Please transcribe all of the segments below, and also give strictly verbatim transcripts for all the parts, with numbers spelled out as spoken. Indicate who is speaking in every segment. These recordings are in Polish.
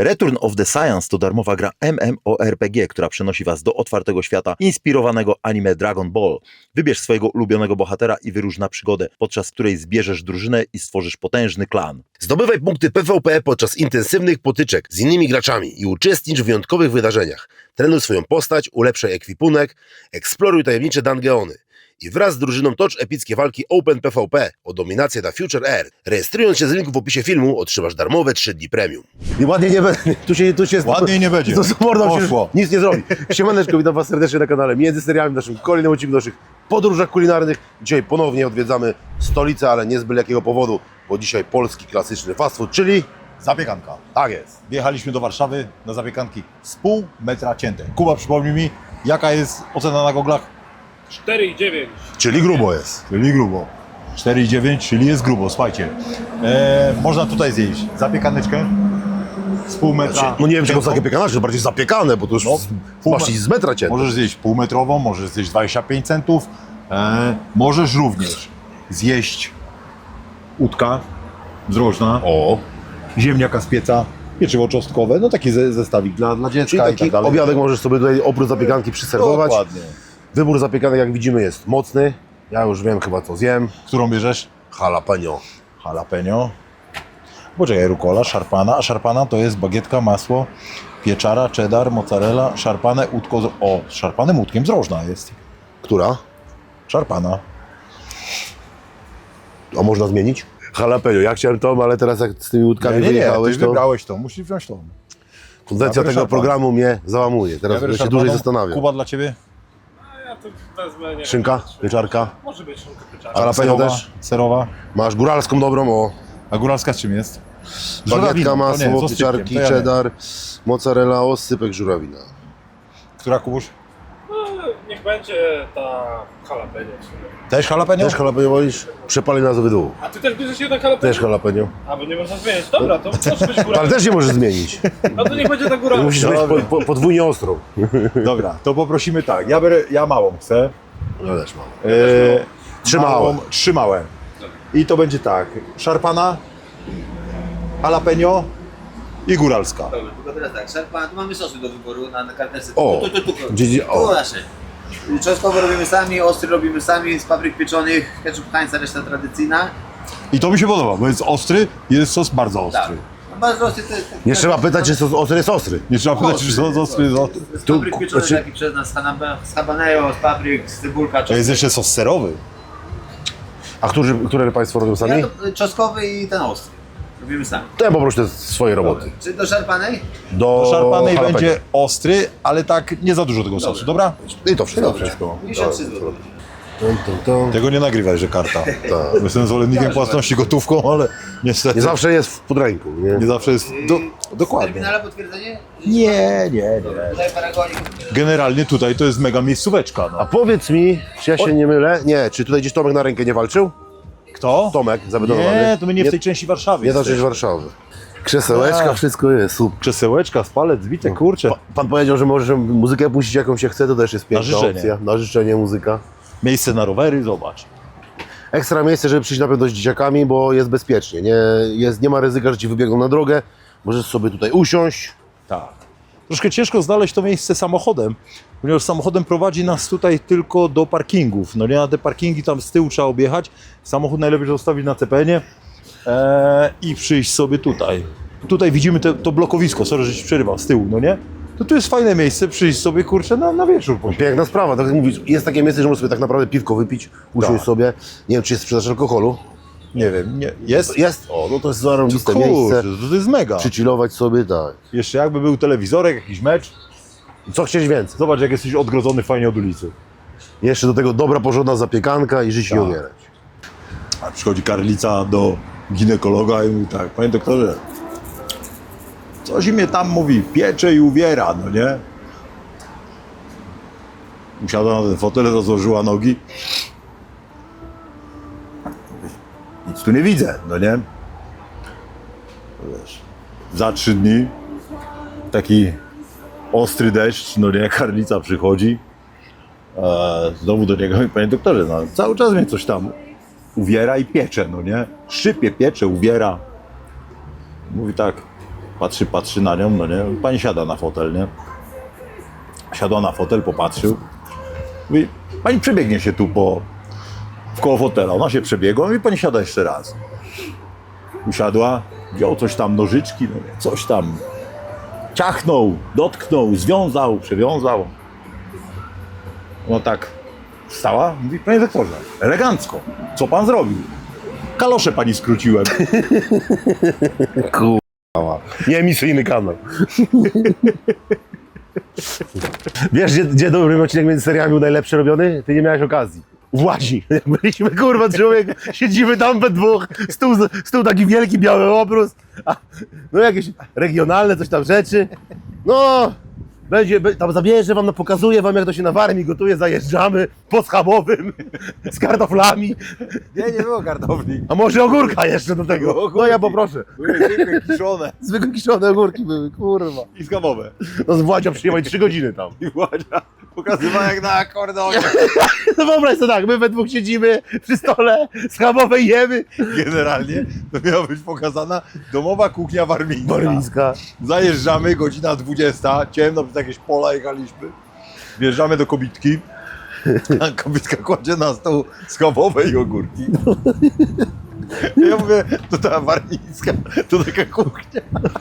Speaker 1: Return of the Science to darmowa gra MMORPG, która przenosi Was do otwartego świata inspirowanego anime Dragon Ball. Wybierz swojego ulubionego bohatera i wyrusz na przygodę, podczas której zbierzesz drużynę i stworzysz potężny klan.
Speaker 2: Zdobywaj punkty P V P podczas intensywnych potyczek z innymi graczami i uczestnicz w wyjątkowych wydarzeniach. Trenuj swoją postać, ulepszaj ekwipunek, eksploruj tajemnicze dungeony. I wraz z drużyną tocz epickie walki Open P V P o dominację na Future Earth. Rejestrując się z linku w opisie filmu otrzymasz darmowe trzy dni premium. I ładnie nie będzie. Tu się, tu się
Speaker 3: Ładniej nie będzie.
Speaker 2: To z mordą się
Speaker 3: Poszło.
Speaker 2: nic nie zrobi. Siemaneczko, witam Was serdecznie na kanale Między Seriami, w naszym kolejnym odcinku naszych podróżach kulinarnych. Dzisiaj ponownie odwiedzamy stolicę, ale nie z byle jakiego powodu, bo dzisiaj polski klasyczny fast food, czyli...
Speaker 3: Zapiekanka.
Speaker 2: Tak jest.
Speaker 3: Wjechaliśmy do Warszawy na zapiekanki z pół metra cięte. Kuba, przypomnij mi, jaka jest ocena na goglach?
Speaker 4: cztery i dziewięć.
Speaker 2: Czyli grubo jest.
Speaker 3: Czyli grubo. cztery i dziewięć, czyli jest grubo, słuchajcie. E, można tutaj zjeść zapiekaneczkę z pół metra.
Speaker 2: No nie wiem, czego
Speaker 3: ciętą.
Speaker 2: zapiekane, to bardziej zapiekane, bo to już
Speaker 3: No, pół
Speaker 2: masz
Speaker 3: me-
Speaker 2: iść z metra cię.
Speaker 3: Możesz zjeść półmetrową, możesz zjeść dwadzieścia pięć centów. E, możesz również zjeść udka z rożna,
Speaker 2: O,
Speaker 3: ziemniaka z pieca, pieczywo czosnkowe, no taki ze, zestawik dla, dla dziecka
Speaker 2: czyli
Speaker 3: i
Speaker 2: taki
Speaker 3: tak dalej.
Speaker 2: obiadek możesz sobie tutaj oprócz zapiekanki przyserwować.
Speaker 3: Dokładnie.
Speaker 2: Wybór zapiekanek, jak widzimy, jest mocny. Ja już wiem chyba, co zjem.
Speaker 3: Którą bierzesz?
Speaker 2: Jalapeno.
Speaker 3: Jalapeno. Poczekaj, rukola, szarpana. A szarpana to jest bagietka, masło, pieczara, cheddar, mozzarella, szarpane udko z... O, z szarpanym udkiem z rożna jest.
Speaker 2: Która?
Speaker 3: Szarpana.
Speaker 2: A można zmienić? Jalapeno. Ja chciałem tą, ale teraz jak z tymi łódkami
Speaker 3: Nie, nie, nie,
Speaker 2: wyjechałeś,
Speaker 3: ty
Speaker 2: to
Speaker 3: wybrałeś to, musisz wziąć tą.
Speaker 2: konwencja
Speaker 3: Ja biorę
Speaker 2: tego
Speaker 3: szarpaną.
Speaker 2: programu mnie załamuje. Teraz
Speaker 3: Ja biorę
Speaker 2: będę się
Speaker 3: szarpaną.
Speaker 2: dłużej zastanawiał.
Speaker 3: Kuba dla ciebie?
Speaker 4: A ja to wezmę, nie
Speaker 2: Szynka,
Speaker 4: wiem,
Speaker 2: pieczarka.
Speaker 4: Może być szynka pieczarka.
Speaker 2: Jalapeno
Speaker 3: Serowa,
Speaker 2: też.
Speaker 3: Serowa.
Speaker 2: Masz góralską dobrą, o.
Speaker 3: A góralska z czym jest? Z
Speaker 2: Bagietka,
Speaker 3: żurawiną, to nie,
Speaker 2: masło,
Speaker 3: z osypkiem,
Speaker 2: pieczarki,
Speaker 3: to ja nie.
Speaker 2: cheddar, mozzarella, osypek, żurawina.
Speaker 3: Która, Kubuś?
Speaker 4: No, niech będzie ta jalapeno w sumie.
Speaker 3: Też jalapeno?
Speaker 2: Też jalapeno wolisz? Przepali nas obydwu.
Speaker 4: A ty też bierzesz jeden jalapeno?
Speaker 2: Też jalapeno.
Speaker 4: A, bo nie można zmienić. Dobra, to może być góra.
Speaker 2: Ale też nie możesz zmienić.
Speaker 4: No to niech będzie ta góra.
Speaker 2: Musisz mieć po, po, podwójnie ostrą.
Speaker 3: Dobra, to poprosimy tak. Ja, biorę, ja małą chcę.
Speaker 2: No też mam.
Speaker 3: E,
Speaker 2: Trzy
Speaker 3: małą,
Speaker 2: małe.
Speaker 3: Trzy małe. I to będzie tak. Szarpana, jalapeno i góralska.
Speaker 5: Dobra, tylko teraz tak, szarpa, tu mamy sosy do wyboru na, na karteczce.
Speaker 2: O,
Speaker 5: tu, tu, tu, tu,
Speaker 2: gdzie- gdzie- o.
Speaker 5: tu nasze. Czosnkowe robimy sami, ostry robimy sami, z papryk pieczonych, ketchup Heinza, reszta tradycyjna.
Speaker 3: I to mi się podoba, bo jest ostry i jest sos bardzo
Speaker 5: Tak.
Speaker 3: ostry.
Speaker 5: No bardzo ostry to jest...
Speaker 2: Nie trzeba pytać, czy sos ostry jest ostry.
Speaker 3: Nie trzeba pytać, czy sos ostry jest ostry.
Speaker 5: Z
Speaker 2: Tu-
Speaker 5: papryk pieczonych,
Speaker 2: znaczy-
Speaker 5: taki przez nas, z hanaba- z habanero, z papryk, z cebulka,
Speaker 3: To jest
Speaker 5: czosnek.
Speaker 3: jeszcze sos serowy.
Speaker 2: A którzy, które Państwo robią sami?
Speaker 5: Ja to, y, czosnkowy i ten ostry. Robimy sami.
Speaker 2: To ja poproszę te swoje roboty.
Speaker 5: Czy do szarpanej?
Speaker 2: Do
Speaker 3: To szarpanej
Speaker 2: jalapeno.
Speaker 3: będzie ostry, ale tak nie za dużo tego sosu, dobra?
Speaker 2: I to wszystko.
Speaker 5: Dobra. pięćdziesiąt trzy złote.
Speaker 2: Tum, tum, tum.
Speaker 3: Tego nie nagrywaj, że karta.
Speaker 2: Tak.
Speaker 3: Jestem zwolennikiem płatności gotówką, ale niestety
Speaker 2: Nie zawsze jest w podręku, nie?
Speaker 3: nie zawsze jest... Do, dokładnie.
Speaker 5: Terminale potwierdzenie?
Speaker 3: Nie, nie, nie.
Speaker 5: Tutaj paragonik.
Speaker 3: Generalnie tutaj to jest mega miejscóweczka.
Speaker 2: A
Speaker 3: No.
Speaker 2: powiedz mi, czy ja się nie mylę? Nie, czy tutaj gdzieś Tomek na rękę nie walczył?
Speaker 3: Kto?
Speaker 2: Tomek zabetonowany?
Speaker 3: Nie, to my nie w tej części Warszawy.
Speaker 2: Nie ta
Speaker 3: jesteśmy.
Speaker 2: część Warszawy. Krzesełeczka,
Speaker 3: A.
Speaker 2: wszystko jest, super.
Speaker 3: Krzesełeczka, spalec, zbite, kurcze.
Speaker 2: Pa, pan powiedział, że możesz muzykę puścić jaką się chce, to też jest piękna
Speaker 3: życzenie.
Speaker 2: opcja. Na życzenie muzyka.
Speaker 3: Miejsce na rowery, zobacz.
Speaker 2: Ekstra miejsce, żeby przyjść na pewno z dzieciakami, bo jest bezpiecznie. Nie, jest, nie ma ryzyka, że ci wybiegną na drogę. Możesz sobie tutaj usiąść.
Speaker 3: Tak. Troszkę ciężko znaleźć to miejsce samochodem, ponieważ samochodem prowadzi nas tutaj tylko do parkingów. No nie, na te parkingi tam z tyłu trzeba objechać. Samochód najlepiej zostawić na C P N-ie e, i przyjść sobie tutaj. Tutaj widzimy te, to blokowisko, sorry, że ci przerywał, z tyłu, no nie? To tu jest fajne miejsce, przyjść sobie, kurczę, na, na wieczór. posiedzeć.
Speaker 2: Piękna sprawa, tak jak mówisz, jest takie miejsce, że możesz sobie tak naprawdę piwko wypić, usiąść
Speaker 3: Tak.
Speaker 2: sobie. Nie wiem, czy jest sprzedaż alkoholu.
Speaker 3: Nie wiem, nie, jest?
Speaker 2: Jest? O, no to jest zarąbiste
Speaker 3: Kurczę,
Speaker 2: miejsce.
Speaker 3: to jest mega.
Speaker 2: Przychillować sobie, tak.
Speaker 3: Jeszcze jakby był telewizorek, jakiś mecz,
Speaker 2: Co chcieć więcej?
Speaker 3: zobacz jak jesteś odgrodzony fajnie od ulicy.
Speaker 2: Jeszcze do tego dobra, porządna zapiekanka i żyć i
Speaker 3: Tak.
Speaker 2: umierać.
Speaker 3: A przychodzi karlica do ginekologa i mówi tak, panie doktorze, coś mnie tam mówi, piecze i uwiera, no nie? Usiadła na ten fotel, rozłożyła nogi. Nic tu nie widzę, no nie? Wiesz, za trzy dni taki ostry deszcz, no nie, karlica przychodzi. E, znowu do niego i panie doktorze, no cały czas mnie coś tam uwiera i piecze, no nie? Szczypie, piecze, uwiera. Mówi tak, Patrzy, patrzy na nią, no nie? Pani siada na fotel, nie? Siadła na fotel, popatrzył. Mówi, pani przebiegnie się tu po... w koło fotela. Ona się przebiegła i pani siada jeszcze raz. Usiadła, wziął coś tam, nożyczki, no nie, coś tam. Ciachnął, dotknął, związał, przewiązał. No tak wstała, mówi, panie doktorze, elegancko, co pan zrobił? Kalosze pani skróciłem.
Speaker 2: Nieemisyjny kanał. Wiesz, gdzie, gdzie dobry odcinek między seriami był najlepszy robiony? Ty nie miałeś okazji. W Łazi. Jak byliśmy, kurwa, człowiek, siedzimy tam we dwóch, stół, stół taki wielki, biały obrus, a, no jakieś regionalne coś tam rzeczy. No, będzie, be- tam zabierze wam, no, pokazuję wam, jak to się na Warmii gotuje, zajeżdżamy po schabowym, z kartoflami,
Speaker 3: Nie, nie było kartofli.
Speaker 2: a może ogórka jeszcze do tego. No ja poproszę.
Speaker 3: Były zwykłe kiszone
Speaker 2: Zwykłe kiszone ogórki były, kurwa.
Speaker 3: i schabowe.
Speaker 2: No z Władzia przyjechali trzy godziny tam.
Speaker 3: I Władzia pokazywała jak na akordeonie.
Speaker 2: No wyobraź sobie tak, my we dwóch siedzimy przy stole, schabowe jemy.
Speaker 3: Generalnie to miała być pokazana domowa kuchnia warmińska.
Speaker 2: Warmińska.
Speaker 3: Zajeżdżamy, godzina dwudziesta, ciemno, przez jakieś pola jechaliśmy. Wjeżdżamy do kobitki, a kobitka kładzie na stół schabowe i ogórki. Ja mówię, to ta warmińska, to taka kuchnia.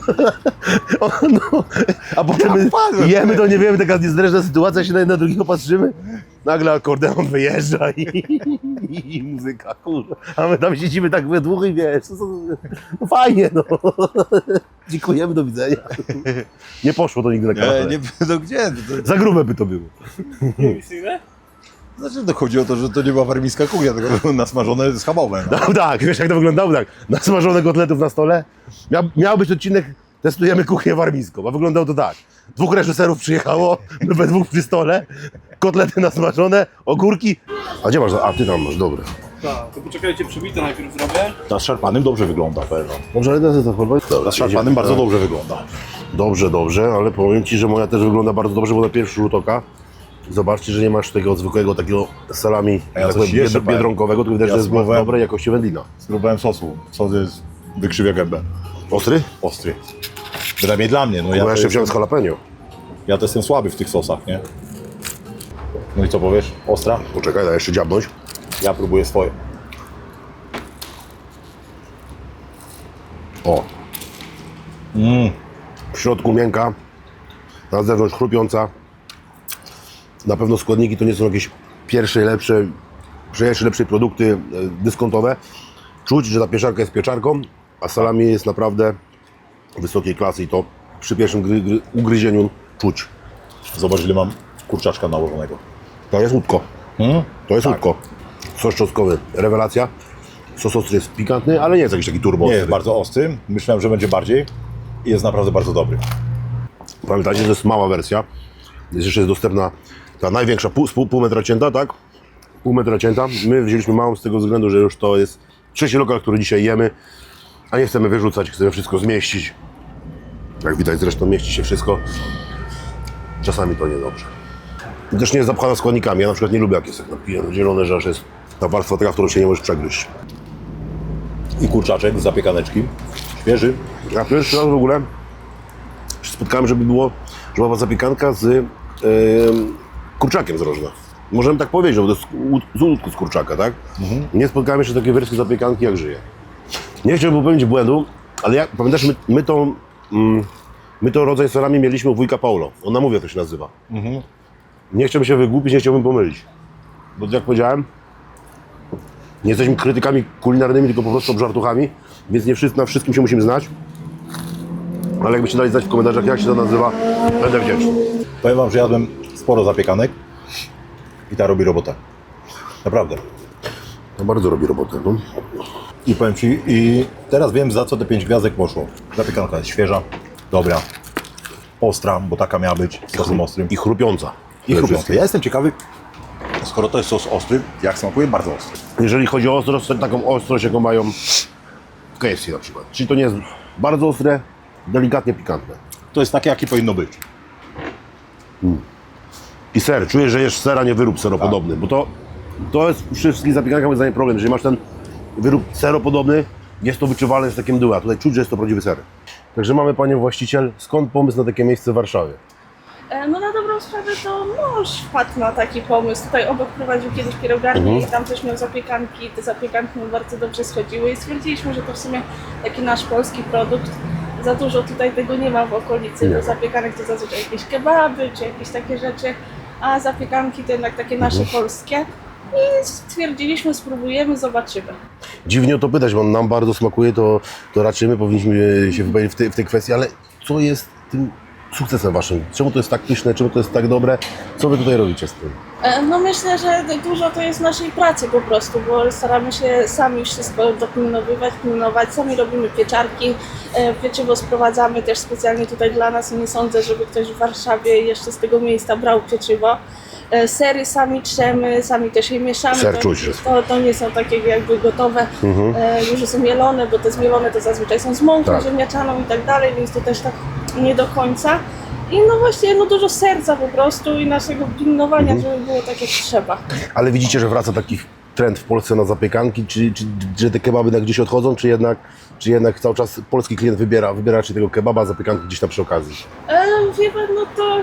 Speaker 2: O, no. A potem my
Speaker 3: padłem.
Speaker 2: jemy, to nie wiemy, taka niezręczna sytuacja, się na jedno drugiego patrzymy. Nagle akordeon wyjeżdża i, i, i muzyka, kurwa. A my tam siedzimy tak we dwóch i wiesz, no, no fajnie, no. Dziękujemy, do widzenia. Nie poszło to nigdy na kanale.
Speaker 3: Nie, nie, no gdzie? To,
Speaker 2: Za grube by to było.
Speaker 4: Emisyjne?
Speaker 3: to, znaczy, to chodzi o to, że to nie była warmińska kuchnia, tylko były nasmażone schabowe. No.
Speaker 2: No tak, wiesz jak to wyglądało? Tak, nasmażone kotletów na stole. Miał, miał być odcinek, testujemy kuchnię warmińską, a wyglądało to tak. Dwóch reżyserów przyjechało, my we dwóch przy stole, kotlety nasmażone, ogórki. A gdzie masz? A ty tam masz, dobre.
Speaker 4: Tak, to poczekajcie, przybite najpierw zrobię.
Speaker 3: Ta z szarpanym dobrze wygląda, pewno.
Speaker 2: Dobrze, ale to to chyba...
Speaker 3: Ta z szarpanym bardzo dobrze wygląda.
Speaker 2: Dobrze, dobrze, ale powiem ci, że moja też wygląda bardzo dobrze, bo na pierwszy rzut oka zobaczcie, że nie masz tego zwykłego takiego salami
Speaker 3: A ja
Speaker 2: tak
Speaker 3: coś
Speaker 2: powiem,
Speaker 3: jeszcze
Speaker 2: bied- biedronkowego, tylko widać,
Speaker 3: Ja
Speaker 2: że jest
Speaker 3: spróbowałem.
Speaker 2: dobrej jakości wędlina.
Speaker 3: Spróbowałem sosu. Sos jest wykrzywia gębę.
Speaker 2: Ostry?
Speaker 3: Ostry. Przynajmniej dla mnie. No ja,
Speaker 2: Ja
Speaker 3: to
Speaker 2: jeszcze wziąłem z
Speaker 3: jestem,
Speaker 2: jalapeno.
Speaker 3: ja to jestem słaby w tych sosach, nie? No i co powiesz? Ostra?
Speaker 2: Poczekaj, daj jeszcze dziabnąć.
Speaker 3: Ja próbuję swoje.
Speaker 2: O.
Speaker 3: Mm.
Speaker 2: W środku miękka, na zewnątrz chrupiąca. Na pewno składniki to nie są jakieś pierwsze, lepsze, pierwsze, lepsze produkty e, dyskontowe. Czuć, że ta pieczarka jest pieczarką, a salami jest naprawdę wysokiej klasy i to przy pierwszym gry, gry, ugryzieniu czuć.
Speaker 3: Zobacz, ile mam kurczaczka nałożonego.
Speaker 2: To jest łódko.
Speaker 3: Hmm?
Speaker 2: To jest łódko. Sos czosnkowy, rewelacja. Sos ostry jest pikantny, ale nie jest jakiś taki turbo
Speaker 3: Nie
Speaker 2: ostry.
Speaker 3: jest bardzo ostry. Myślałem, że będzie bardziej. I jest naprawdę bardzo dobry.
Speaker 2: Pamiętajcie, że to jest mała wersja. Jest jeszcze jest dostępna ta największa, pół, pół, pół metra cięta, tak? Pół metra cięta. My wzięliśmy małą z tego względu, że już to jest trzeci lokal, który dzisiaj jemy, a nie chcemy wyrzucać, chcemy wszystko zmieścić. Jak widać zresztą mieści się wszystko. Czasami to niedobrze. I też nie jest zapchana składnikami. Ja na przykład nie lubię, jak jest tak napijane zielone, że aż jest ta warstwa taka, którą się nie możesz przegryźć.
Speaker 3: I kurczaczek z zapiekaneczki. Świeży.
Speaker 2: Ja pierwszy raz w ogóle się spotkałem, żeby było, że była zapiekanka z yy, kurczakiem z rożna. Możemy tak powiedzieć, bo to jest łód- z łódku z kurczaka, tak? Nie spotkałem jeszcze takiej wersji zapiekanki, jak żyje. Nie chciałbym popełnić błędu, ale jak, pamiętasz, my, my to mm, my to rodzaj salami mieliśmy u wujka Paulo. On nam mówi, jak to się nazywa. Nie chciałbym się wygłupić, nie chciałbym pomylić. Bo jak powiedziałem, nie jesteśmy krytykami kulinarnymi, tylko po prostu obżartuchami, więc nie wszyscy, na wszystkim się musimy znać. Ale jakbyście dali znać w komentarzach, jak się to nazywa, będę wdzięczny.
Speaker 3: Powiem wam, że jadłem sporo zapiekanek. I ta robi robotę. Naprawdę.
Speaker 2: To bardzo robi robotę. No.
Speaker 3: I powiem ci, i teraz wiem, za co te pięć gwiazdek poszło. Zapiekanka jest świeża, dobra, ostra, bo taka miała być, z sosem ostrym.
Speaker 2: I chrupiąca.
Speaker 3: I chrupiąca. Ja jestem ciekawy, skoro to jest sos ostry, jak smakuje? Bardzo ostry.
Speaker 2: Jeżeli chodzi o ostrość, to taką ostrość, jaką mają w K F C na przykład. Czyli to nie jest bardzo ostre, delikatnie pikantne.
Speaker 3: To jest takie, jakie powinno być.
Speaker 2: I ser, czujesz, że jesz sera, nie wyrób seropodobny, bo to, to jest przy wszystkich zapiekankach moim zdaniem problem. Jeżeli masz ten wyrób seropodobny, jest to wyczuwalne z takim mdły, a tutaj czuć, że jest to prawdziwy ser. Także mamy Panią właściciel. Skąd pomysł na takie miejsce w Warszawie?
Speaker 6: E, No na dobrą sprawę to mąż wpadł na taki pomysł. Tutaj obok prowadził kiedyś pierogarnię
Speaker 2: Mhm.
Speaker 6: i tam też miał zapiekanki. Te zapiekanki mu bardzo dobrze schodziły i stwierdziliśmy, że to w sumie taki nasz polski produkt. Za dużo tutaj tego nie ma w okolicy.
Speaker 2: Nie.
Speaker 6: Do zapiekanek to zazwyczaj jakieś kebaby czy jakieś takie rzeczy, a zapiekanki to jednak takie nasze
Speaker 2: Mhm.
Speaker 6: polskie. I stwierdziliśmy, spróbujemy, zobaczymy.
Speaker 2: Dziwnie o to pytać, bo nam bardzo smakuje, to, to raczej my powinniśmy się wypowiedzieć w tej, w tej kwestii, ale co jest tym sukcesem Waszym? Czemu to jest tak pyszne, czemu to jest tak dobre? Co Wy tutaj robicie z tym?
Speaker 6: E, No myślę, że dużo to jest naszej pracy po prostu, bo staramy się sami wszystko dopilnowywać, pilnować, sami robimy pieczarki, e, pieczywo sprowadzamy też specjalnie tutaj dla nas i nie sądzę, żeby ktoś w Warszawie jeszcze z tego miejsca brał pieczywo. E, Sery sami trzemy, sami też je mieszamy.
Speaker 2: Ser
Speaker 6: to,
Speaker 2: czuć, że-
Speaker 6: to, to nie są takie jakby gotowe,
Speaker 2: Mhm.
Speaker 6: e, już są mielone, bo te zmielone to zazwyczaj są z mąką
Speaker 2: Tak.
Speaker 6: ziemniaczaną i tak dalej, więc to też tak nie do końca. I no właśnie, no dużo serca po prostu i naszego pilnowania,
Speaker 2: Mhm.
Speaker 6: żeby było tak jak trzeba.
Speaker 2: Ale widzicie, że wraca taki trend w Polsce na zapiekanki, czy, czy, czy te kebaby na gdzieś odchodzą, czy jednak, czy jednak cały czas polski klient wybiera, wybiera raczej tego kebaba, zapiekanki gdzieś tam przy okazji?
Speaker 6: E, wie pan, no to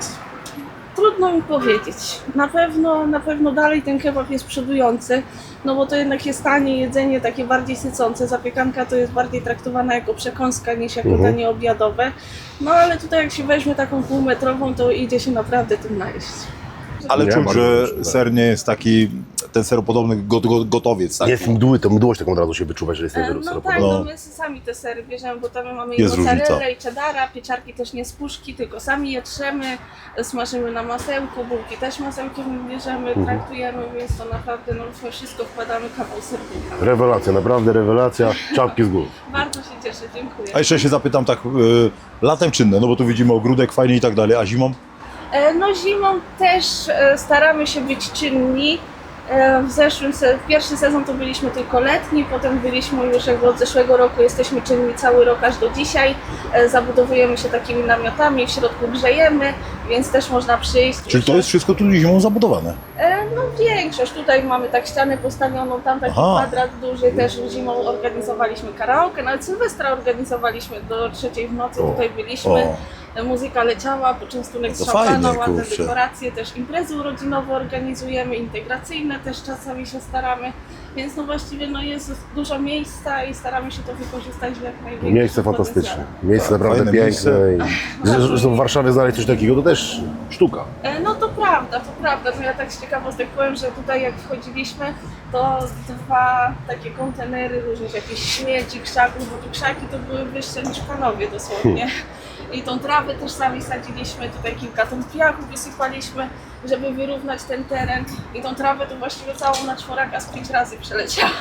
Speaker 6: trudno mi powiedzieć. Na pewno, na pewno dalej ten kebab jest przodujący, no bo to jednak jest tanie jedzenie, takie bardziej sycące. Zapiekanka to jest bardziej traktowana jako przekąska niż jako
Speaker 2: Mhm.
Speaker 6: danie obiadowe. No ale tutaj jak się weźmie taką półmetrową, to idzie się naprawdę tym najeść.
Speaker 3: Ale
Speaker 2: Nie,
Speaker 3: czuć,
Speaker 2: bardzo
Speaker 3: że
Speaker 2: proszę, tak.
Speaker 3: ser nie jest taki, ten seropodobny go, go, gotowiec. Tak?
Speaker 2: Nie jest mdły, to mdłość taką od razu się wyczuwa, że jest ten
Speaker 6: E,
Speaker 2: wyrób
Speaker 6: No tak,
Speaker 2: seropodobny.
Speaker 6: no
Speaker 3: No.
Speaker 6: my sami te sery bierzemy, bo tam mamy i
Speaker 3: Jest
Speaker 6: mozzarellę,
Speaker 3: różnica.
Speaker 6: i cheddara, pieczarki też nie z puszki, tylko sami je trzemy, smażymy na masełku, bułki też masełkiem bierzemy,
Speaker 2: Mhm.
Speaker 6: traktujemy, więc to naprawdę no, we wszystko wkładamy kawał serducha.
Speaker 2: Rewelacja, naprawdę rewelacja, czapki z góry.
Speaker 6: Bardzo się cieszę, dziękuję.
Speaker 3: A jeszcze się zapytam tak, y, latem czynne, no bo tu widzimy ogródek fajnie i tak dalej, a zimą?
Speaker 6: E, No zimą też e, staramy się być czynni. E, W zeszłym, se- w pierwszy sezon to byliśmy tylko letni, potem byliśmy już jakby od zeszłego roku, jesteśmy czynni cały rok aż do dzisiaj. E, Zabudowujemy się takimi namiotami, w środku grzejemy, więc też można przyjść.
Speaker 3: Czyli to jest wszystko tu zimą zabudowane.
Speaker 6: E, No większość, tutaj mamy tak ścianę postawioną, tam taki
Speaker 3: Aha.
Speaker 6: kwadrat duży, też zimą organizowaliśmy karaoke, nawet Sylwestra organizowaliśmy do trzeciej w nocy,
Speaker 3: O,
Speaker 6: tutaj byliśmy.
Speaker 3: O,
Speaker 6: E, Muzyka leciała, poczęstunek z
Speaker 3: To
Speaker 6: szampana,
Speaker 3: fajnie,
Speaker 6: ładne
Speaker 3: kurczę.
Speaker 6: dekoracje, też imprezy urodzinowe organizujemy, integracyjne też czasami się staramy, więc no właściwie no jest dużo miejsca i staramy się to wykorzystać w jak największym
Speaker 2: Miejsce fantastyczne,
Speaker 6: potencjale.
Speaker 2: miejsce
Speaker 3: Tak,
Speaker 2: naprawdę
Speaker 3: fajne
Speaker 2: piękne.
Speaker 3: miejsce.
Speaker 2: I, że- że w Warszawie znaleźć coś takiego to też sztuka.
Speaker 6: E, No to prawda, to prawda, to ja tak z ciekawostek powiem, że tutaj jak wchodziliśmy, to dwa takie kontenery różnych jakichś śmieci, krzaków, bo tu krzaki to były wyższe niż panowie dosłownie. I tą trawę też sami sadziliśmy, tutaj kilka ton piachu wysypaliśmy, żeby wyrównać ten teren. I tą trawę to właściwie całą na czworaka z pięć razy przeleciała.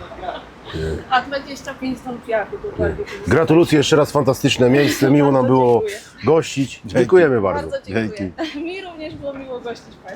Speaker 6: A dwadzieścia pięć ton piachu dokładnie.
Speaker 2: Gratulacje jeszcze raz, fantastyczne miejsce, miło nam
Speaker 6: Bardzo
Speaker 2: było
Speaker 6: dziękuję.
Speaker 2: gościć. Dziękujemy bardzo.
Speaker 6: Bardzo dziękuję. Mi również było miło gościć Państwa.